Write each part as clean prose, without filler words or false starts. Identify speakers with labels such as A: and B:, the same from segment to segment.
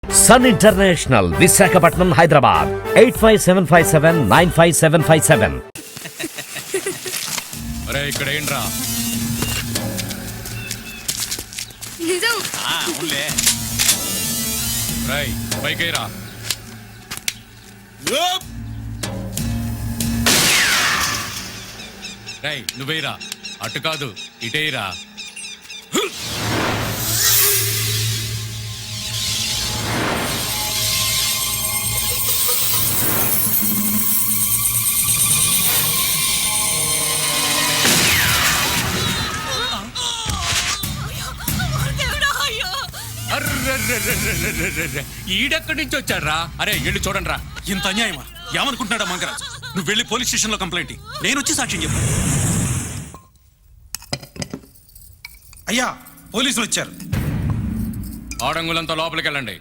A: Sun international, Visakhapatnam, Hyderabad 8575795757.
B: అరే ఇక్కడ ఏంట్రా?
C: నిజం.
B: అవునులే. రై పైకేరా. రై నువ్వేరా, అటు కాదు ఇటేరా. ఈడెక్కడి నుంచి వచ్చాడ్రా? అరే వెళ్ళి చూడండి రా.
D: ఇంత అన్యాయమా? ఏమనుకుంటున్నాడా మంగరాజు? నువ్వు వెళ్ళి పోలీస్ స్టేషన్ లో కంప్లైంట్. నేను వచ్చి సాక్ష్యం చెప్పాను. అయ్యా పోలీసులు వచ్చారు.
B: ఆడంగులంతా లోపలికి వెళ్ళండి.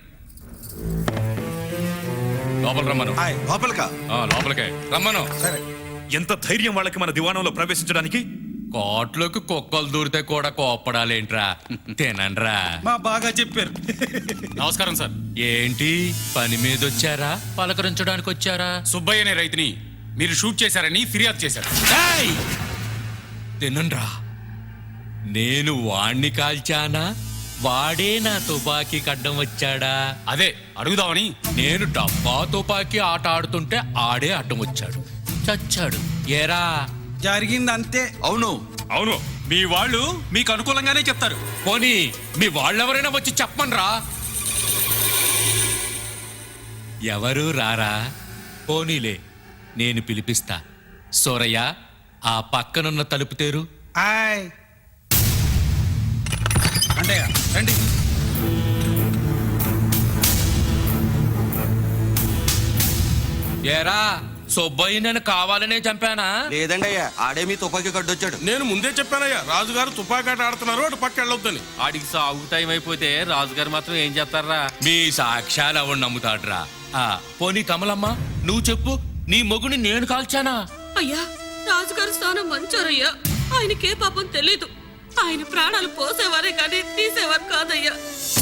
B: లోపల రమ్మను.
D: లోపలికా?
B: లోపలికే రమ్మను.
D: సరే. ఎంత ధైర్యం వాళ్ళకి మన దివాణంలో ప్రవేశించడానికి?
B: కోట్లోకి కుక్కలు దూరితే కూడా కోప్పడాలేంట్రా? తినండ్రా.
D: మా బాగా చెప్పారు.
B: నమస్కారం సార్. ఏంటి పని మీద వచ్చారా, పలకరించడానికి వచ్చారా?
E: సుబ్బయ్య అనే రైతుని మీరు షూట్ చేశారని ఫిర్యాదు చేశారు.
B: తినండ్రా. నేను వాణ్ణి కాల్చానా, వాడే నా తుపాకీ కడ్డం వచ్చాడా?
E: అదే అడుగుదామని.
B: నేను డబ్బా తుపాకీ ఆట ఆడుతుంటే ఆడే అడ్డం వచ్చాడు, చచ్చాడు. ఏరా
D: జరిగింది అంతే.
E: అవును అవును, మీ వాళ్ళు మీకు అనుకూలంగానే చెప్తారు.
B: పోనీ మీ వాళ్ళెవరైనా వచ్చి చెప్పమనరా. ఎవరు రారా? పోనీలే నేను పిలిపిస్తా. సోరయ్య, ఆ పక్కనున్న తలుపు తెరు.
D: అంటే రండి.
B: ఏరా సుబ్బయ్య నేను కావాలనే చంపానా?
F: లేదండి అయ్యా, ఆడే మీ తుపాకీ కడ్డొచ్చాడు.
G: నేను ముందే చెప్పానయ్యా, రాజుగారు తుపాకాట ఆడుతున్నారు, అటు పక్క వెళ్ళొద్దని.
E: ఆడికి సాగు టైం అయిపోతే రాజుగారు మాత్రం ఏం చేస్తారా?
B: మీ సాక్ష్యాలు ఎవడు నమ్ముతాడ్రా? పోనీ కమలమ్మ నువ్వు చెప్పు, నీ మొగుని నేను కాల్చానా?
C: అయ్యా, రాజుగారు స్థానం మంచోరయ్యా. ఆయనకే పాపం తెలీదు. ఆయన ప్రాణాలు పోసేవారే కానీ తీసేవారు కాదయ్యా.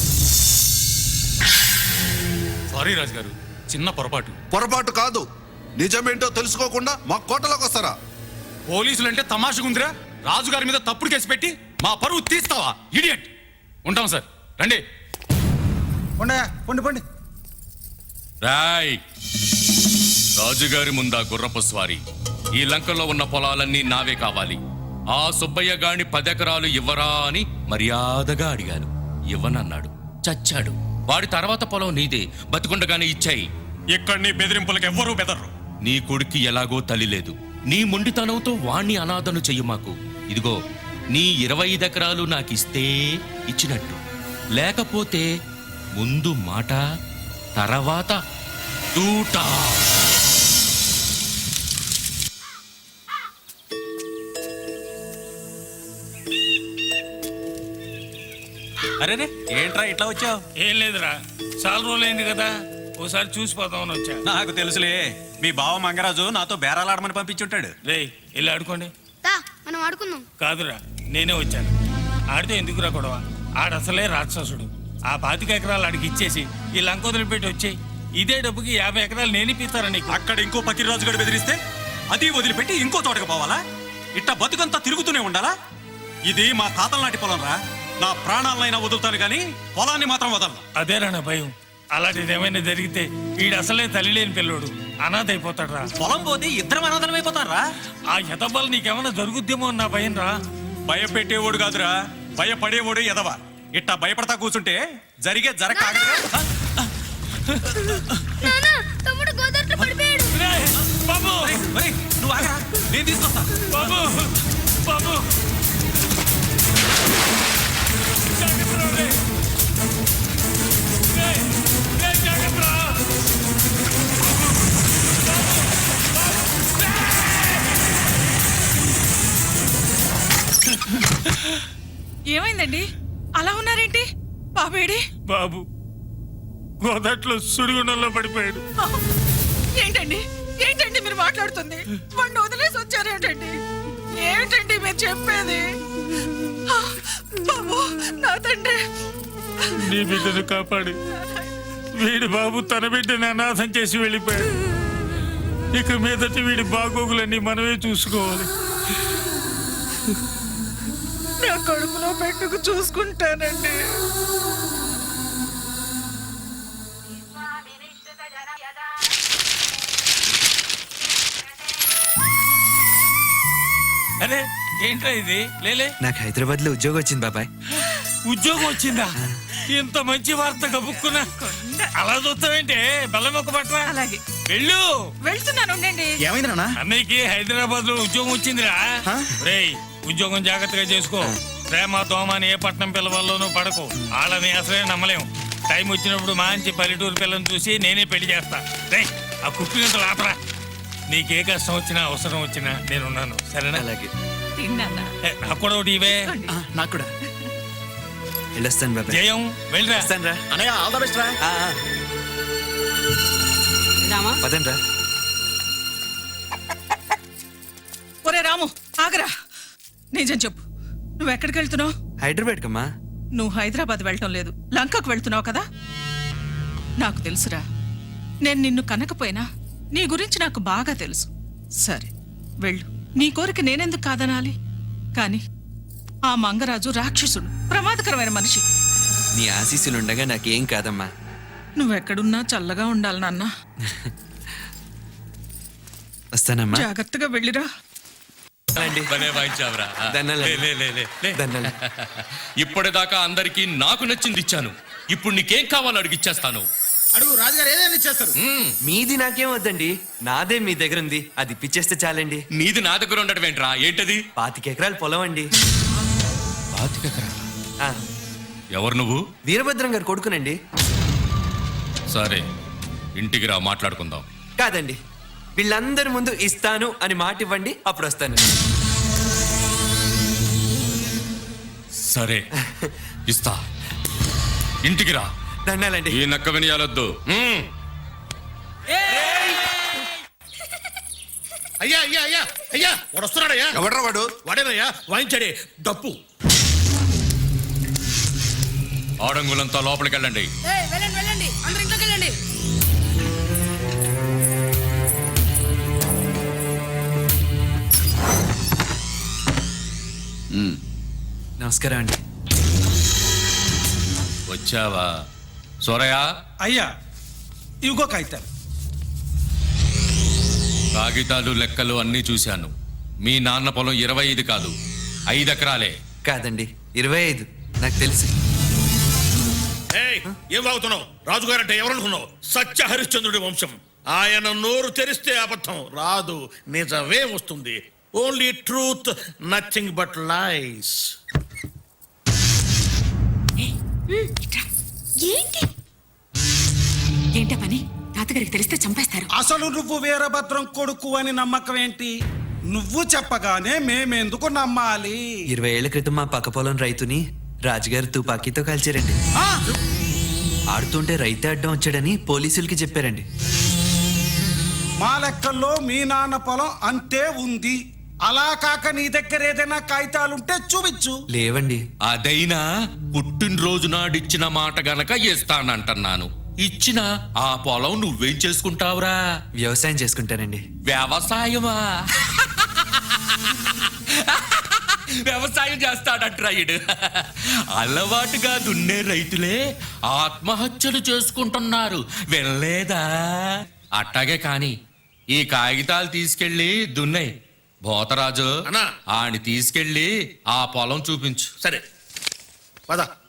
E: సారీ రాజుగారు, చిన్న పొరపాటు.
G: పొరపాటు కాదు, నిజమేంటో తెలుసుకోకుండా మా కోటలోకి వస్తారా?
E: పోలీసులు అంటే తమాషగుందిరా. రాజుగారి మీద తప్పుడు కేసు పెట్టి మా పరువు తీస్తావా? ఇడియట్. ఉంటాం సార్, రండి.
D: పండి.
B: రాయ్, రాజుగారి ముందా గుర్రపు స్వారీ. ఈ లంకలో ఉన్న పొలాలన్నీ నావే కావాలి. ఆ సుబ్బయ్య గాని 10 ఎకరాలు ఇవ్వరా అని మర్యాదగా అడిగాను. ఇవ్వనన్నాడు, చచ్చాడు. వాడి తర్వాత పొలం నీదే, బతికుండగానే ఇచ్చాయి.
E: ఇక్కడ నీ బెదిరింపులకు ఎవ్వరూ బెదర్రు.
B: నీ కొడుక్కి ఎలాగో తల్లి లేదు. నీ మొండితనంతో వాణ్ణి అనాథను చెయ్యి మాకు. ఇదిగో నీ 25 ఎకరాలు నాకిస్తే ఇచ్చినట్టు, లేకపోతే ముందు మాట తర్వాత తూట.
D: అరే ఏంట్రా ఇట్లా వచ్చావు?
H: ఏం లేదురా, చాలా రోజులైంది కదా, ఓసారి చూసిపోతామని వచ్చా.
D: నాకు తెలుసులే, మీ బావ మంగరాజు నాతో బేరాలాడమని పంపించుంటాడు.
H: రే ఇలా ఆడుకోండి.
C: మనం ఆడుకుందాం.
H: కాదురా, నేనే వచ్చాను. ఆడితే ఎందుకురా గొడవ? ఆడసలే రాక్షసుడు. ఆ 25 ఎకరాలు ఆడికి ఇచ్చేసి ఈ లంక వదిలిపెట్టి వచ్చేయి. ఇదే డబ్బుకి 50 ఎకరాలు నేను ఇప్పిస్తారా నీకు?
D: అక్కడ ఇంకో పకిరాజు గడు బెదిరిస్తే అది వదిలిపెట్టి ఇంకో తోటకు పోవాలా? ఇట్ట బతుకంతా తిరుగుతూనే ఉండాలా? ఇది మా తాతల నాటి పొలం రా. నా ప్రాణాలనైనా వదులుతాను గాని పొలాన్ని మాత్రం వదలను.
H: అదేరా నా భయం. అలాంటిది ఏమైనా జరిగితే వీడు అసలే తల్లి లేని పిల్లోడు, అనాథ అయిపోతాడు రా.
D: పొలం పోతే ఇద్దరం అనాథలం అయిపోతారా?
H: ఆ ఎదవ్వలు నీకేమైనా జరుగుద్దేమో అన్న భయం రా.
D: భయపెట్టేవాడు కాదురా, భయపడేవాడు ఎదవ. ఇట్టా భయపడతా కూర్చుంటే జరిగే జరగ.
C: తమ్ముడు గోదావరిలో పడిపోయాడు.
H: బాబు
D: నువ్వు ఆగరా, నేను తీసుకొస్తా.
H: బాబు బాబు
I: ఏమైందండి? అలా ఉన్నారేంటి? బాబేడి?
H: బాబు గోదాట్లో సుడిగుండంలో పడిపోయాడు.
I: ఏంటండి ఏంటండి మీరు మాట్లాడుతుంది? వాడిని వదిలేసి వచ్చారేంటండి? ఏంటండి మీరు చెప్పేది? బాబు, నా తండ్రి.
H: నీ బిడ్డను కాపాడి వీడి బాబు తన బిడ్డని అనాథం చేసి వెళ్ళిపోయాడు. ఇక మీదటి వీడి బాగోగులన్నీ మనమే చూసుకోవాలి.
I: నా కడుపులో పెట్టుకు చూసుకుంటానండి.
H: అరే ఏంట్రా ఇది? లేలే,
J: నాకు హైదరాబాద్ లో ఉద్యోగం వచ్చింది బాబాయ్.
H: ఉద్యోగం వచ్చిందా? ఇంత మంచి వార్త కబుక్కున్నా. అలా చూస్తావేంటే? బెల్లమొక్క పట్ల
I: అలాగే
H: వెళ్ళు.
I: వెళ్తున్నాను, ఉండండి.
J: ఏమైంది నాన్న?
H: అన్నయ్యకి హైదరాబాద్ లో ఉద్యోగం వచ్చిందిరా. రేయ్, ఉద్యోగం జాగ్రత్తగా చేసుకో. ప్రేమ దోమ అని ఏ పట్నం పిల్లవాళ్ళలోనూ పడకు. వాళ్ళని అసలే నమ్మలేం. టైం వచ్చినప్పుడు మంచి పల్లెటూరు పిల్లని చూసి నేనే పెళ్లి చేస్తా. రేయ్, ఆ కుప్పినంత లాపరా. నీకే కష్టం వచ్చినా అవసరం వచ్చినా నేనున్నాను, సరేనా?
J: అలాగే.
I: తిన్నానా?
H: నాకు కూడా ఒకటి ఇవే.
J: నాకు కూడా. వెళ్ళొస్తాను బాబాయ్.
H: జయం, వెళ్ళరా.
J: వస్తాను రా.
E: అనయ్య ఆల్ ద బెస్ట్ రా.
C: రామా
J: పదండి రా.
I: ఒరే రాము, ఆగరా. నిజం చెప్పు, నువ్వు ఎక్కడికి వెళ్తున్నావు?
J: హైదరాబాద్ కమ్మా.
I: నువ్వు హైదరాబాద్ వెళ్ళటం లేదు, లంకకు వెళ్తున్నావు కదా. నాకు తెలుసురా. నేను నిన్ను కనకపోయినా నీ గురించి నాకు బాగా తెలుసు. సరే వెళ్ళు, నీ కోరిక నేనెందుకు కాదనాలి? కాని ఆ మంగరాజు రాక్షసుడు, ప్రమాదకరమైన మనిషి.
J: నీ ఆశీస్సులుండగా నాకేం కాదమ్మా.
I: నువ్వెక్కడున్నా చల్లగా ఉండాలి నాన్న.
J: వస్తానమ్మా.
I: జాగ్రత్తగా వెళ్ళిరా.
J: రండి.
B: భలే వాయించావురా.
J: దండాలు.
B: లే, లే, లే, లే, లే.
J: దండాలు.
B: ఇప్పటిదాకా అందరికీ నాకు నచ్చింది ఇచ్చాను. ఇప్పుడు నీకేం కావాలో అడిగిచ్చేస్తాను.
E: అడుగు రాజుగారు ఏదైనా ఇచ్చేస్తారు.
J: మీది నాకేం వద్దండి, నాదే మీ దగ్గర ఉంది, అది ఇప్పించేస్తే చాలండి.
B: నీది నా దగ్గర ఉండటం ఏంట్రా? ఏంటది?
J: 25 ఎకరాల పొలం అండి. ఆ,
B: ఎవరు నువ్వు?
J: వీరభద్రం గారు కొడుకునండి.
B: సరే, ఇంటికి రా, మాట్లాడుకుందాం.
J: కాదండి, వీళ్ళందరి ముందు ఇస్తాను అని మాట ఇవ్వండి, అప్పుడు వస్తాను.
B: సరే, ఇస్తా. ఇంటికి రా.
J: దండాలండి.
B: ఈ నక్క వినియాలొద్దు.
E: అయ్యా అయ్యా అయ్యా అయ్యా వాడు వస్తున్నాడయ్యా.
G: ఎవడ్రా వాడు?
E: వాడేనయ్యా వాయించాడే డప్పు.
B: ఆడంగులంతా లోపలికి వెళ్ళండి.
C: వెళ్ళండి వెళ్ళండి, అందరు ఇంట్లోకి వెళ్ళండి.
J: నమస్కారం అండి.
B: వచ్చావా సోరయ్య?
H: అయ్యా ఇవిగో కాగితాలు.
B: కాగితాలు లెక్కలు అన్నీ చూశాను. మీ నాన్న పొలం 25 కాదు, 5 ఎకరాలే.
J: కాదండి, 25. నాకు తెలుసు.
E: ఏం వాగుతున్నావు? రాజుగారు అంటే ఎవరనుకున్నావు? సత్య హరిశ్చంద్రుడి వంశం. ఆయన నోరు తెరిస్తే అబద్ధం రాదు, నిజమే వస్తుంది. Only truth, nothing but lies.
C: ఏంటి ఏంట పని? తాతగారికి తెలిస్తే చంపేస్తారు.
K: అసలు నువ్వు వీరభద్రం కొడుకు అని నమ్మకం ఏంటి? నువ్వు చెప్పగానే మేమెందుకు నమ్మాలి?
J: 20 ఏళ్ల క్రితం మా పక్క పొలం రైతుని రాజుగారు తుపాకీతో కాల్చారండి. ఆడుతుంటే రైతే అడ్డం వచ్చాడని పోలీసులకి చెప్పారండి.
K: మా లెక్కల్లో మీ నాన్న పొలం అంతే ఉంది. అలా కాక నీ దగ్గర ఏదైనా కాగితాలుంటే చూపించు.
J: లేవండి.
B: అదైనా పుట్టినరోజు నాడిచ్చిన మాట గనక ఇస్తానంటున్నాను. ఇచ్చిన ఆ పొలం నువ్వేం చేసుకుంటావురా?
J: వ్యవసాయం చేసుకుంటానండి.
B: వ్యవసాయమా? వ్యవసాయం చేస్తాడంట్రా ఈడు. అలవాటుగా దున్నే రైతులే ఆత్మహత్యలు చేసుకుంటున్నారు, వెళ్ళలేదా? అట్టాగే కాని ఈ కాగితాలు తీసుకెళ్లి దున్నాయి. భోతరాజు
E: అన్నా.
B: ఆని తీసుకెళ్లి ఆ పొలం చూపించు.
E: సరే పద.